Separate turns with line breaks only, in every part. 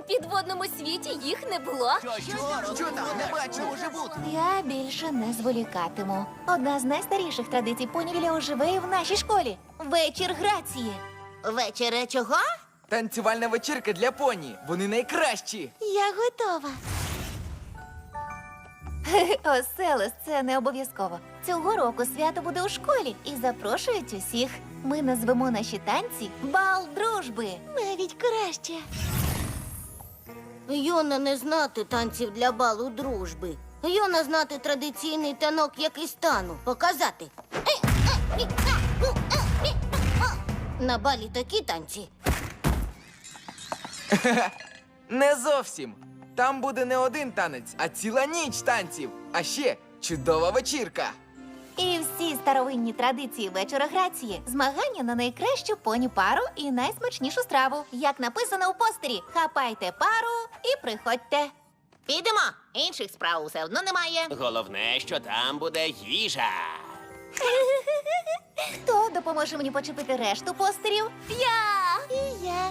підводному світі їх не було.
Що там? Не бачу, може бути.
Я більше не зволікатиму. Одна з найстаріших традицій понівіля оживе і в нашій школі. Вечір грації.
Вечере чого?
Танцювальна вечірка для поні. Вони найкращі.
Я готова. Оселес, це не обов'язково. Цього року свято буде у школі і запрошують усіх. Ми назвемо наші танці «Бал дружби». Навіть краще.
Йона не знати танців для балу дружби. Йона знати традиційний танок, який стану. Показати. На балі такі танці.
Не зовсім. Там буде не один танець, а ціла ніч танців. А ще чудова вечірка.
І всі старовинні традиції вечора грації. Змагання на найкращу поні пару і найсмачнішу страву. Як написано у постері, хапайте пару і приходьте.
Підемо. Інших справ все одно немає.
Головне, що там буде їжа.
Хто допоможе мені почепити решту постерів?
Я!
І я.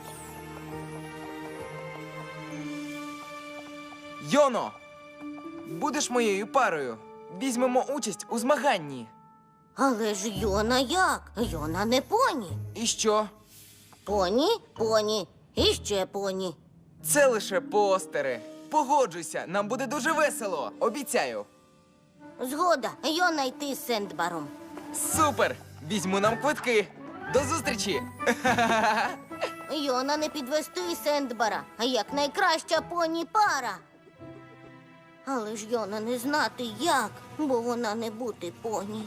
Йоно, будеш моєю парою. Візьмемо участь у змаганні.
Але ж Йона як? Йона не поні.
І що?
Поні, поні і ще поні.
Це лише постери. Погоджуйся, нам буде дуже весело. Обіцяю.
Згода, Йона йти з Сендбаром.
Супер! Візьму нам квитки. До зустрічі!
Йона не підвести Сендбара, а як найкраща поні пара. Але ж Йона не знати як, бо вона не бути поні.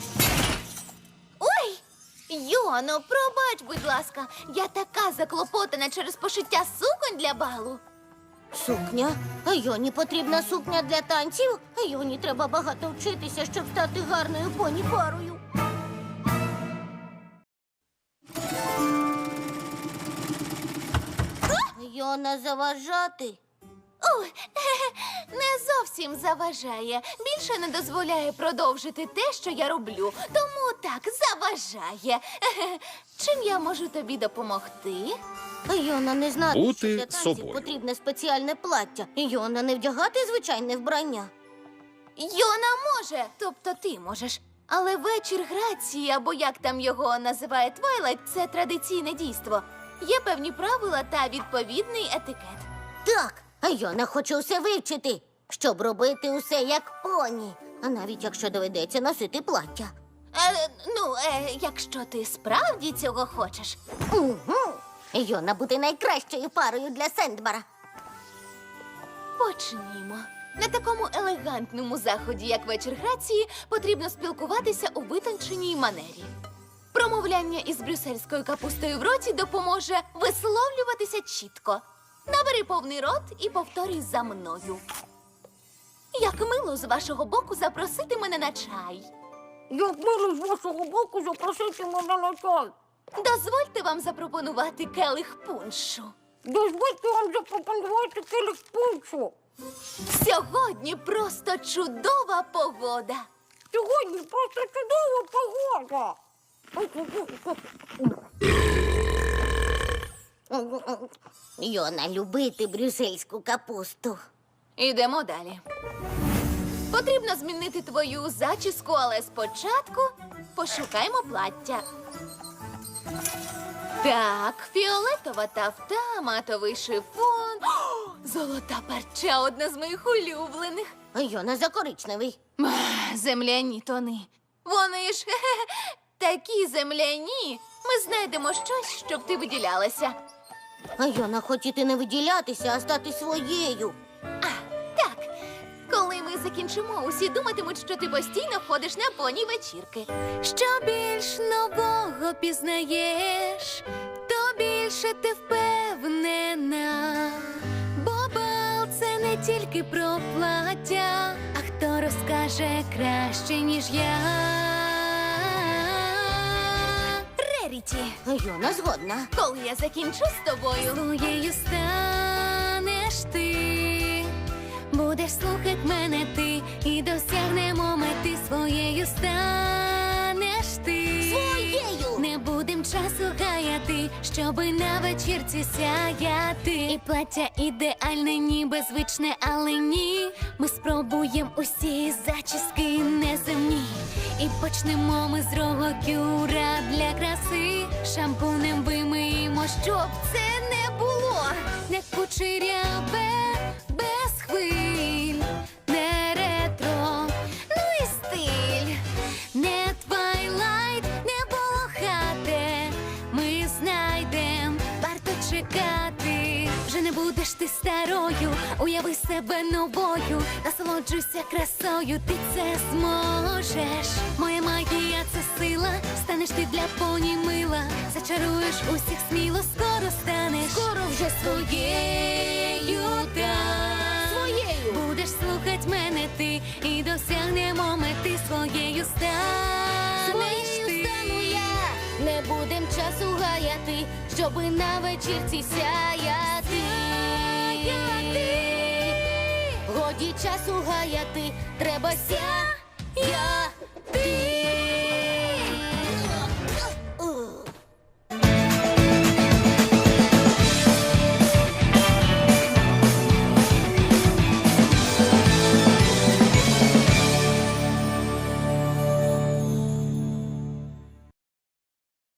Ой! Йоно, пробач, будь ласка. Я така заклопотана через пошиття суконь для балу.
Сукня? Йоні потрібна сукня для танців? Йоні треба багато вчитися, щоб стати гарною поні парою. Йона заважати?
Ой, не зовсім заважає. Більше не дозволяє продовжити те, що я роблю. Тому так, заважає. Чим я можу тобі допомогти?
Йона не знати,
Бути
що для танців
собою.
потрібне спеціальне плаття. Йона не вдягати звичайне вбрання.
Йона може, тобто ти можеш. Але вечір грації, або як там його називає Твайлайт, це традиційне дійство. Є певні правила та відповідний етикет.
Так, Йона хоче усе вивчити, щоб робити усе як поні. А навіть якщо доведеться носити плаття.
Якщо ти справді цього хочеш.
Угу. Йона буде найкращою парою для Сендбара.
Почнімо. На такому елегантному заході, як вечір грації, потрібно спілкуватися у витонченій манері. Промовляння із брюссельською капустою в роті допоможе висловлюватися чітко. Набери повний рот і повторюй за мною. Як мило з вашого боку запросити мене на чай.
Як мило з вашого боку запросити мене на чай.
Дозвольте вам запропонувати келих пуншу.
Дозвольте вам запропонувати келих пуншу.
Сьогодні просто чудова погода.
Сьогодні просто чудова погода. Йона любити брюссельську капусту.
Ідемо далі. Потрібно змінити твою зачіску, але спочатку пошукаймо плаття. Так, фіолетова тафта, матовий шифон. О, золота парча, одна з моїх улюблених.
Йона за коричневий.
Земляні тони. Вони ж такі земляні. Ми знайдемо щось, щоб ти виділялася.
Йона хотіти не виділятися, а стати своєю.
Так, коли ми закінчимо, усі думатимуть, що ти постійно ходиш на поні вечірки. Що більш нового пізнаєш, то більше ти впевнена. Бо бал – це не тільки про плаття, а хто розкаже краще, ніж я. Реріті,
Йона згодна.
коли я закінчу з тобою, своєю станеш ти. Будеш слухать мене ти, і досягнемо мети, своєю станеш ти.
Своєю!
Не будем часу гаяти, щоби навіть вечірці сяяти. І плаття ідеальне, ніби звичне, але ні. Ми спробуємо усі зачіски неземні. І почнемо ми з рогокюра для краси. Шампунем вимиємо, щоб це не було не кучеряве, без хвиль, не ретро, ну і стиль, не твайлайт, не полохате. Ми знайдем, варто чекати. Вже не будеш ти старою, уяви себе новою, насолоджуйся красою, ти це зможеш. Моя магія — це сила, станеш ти для поні мила, зачаруєш усіх сміло, скоро станеш, скоро вже своєю, так. Своєю будеш слухать мене ти, і досягнемо мети, своєю станеш ти. Не будем часу гаяти, щоби на вечірці сяяти. Годі часу гаяти, треба сяяти.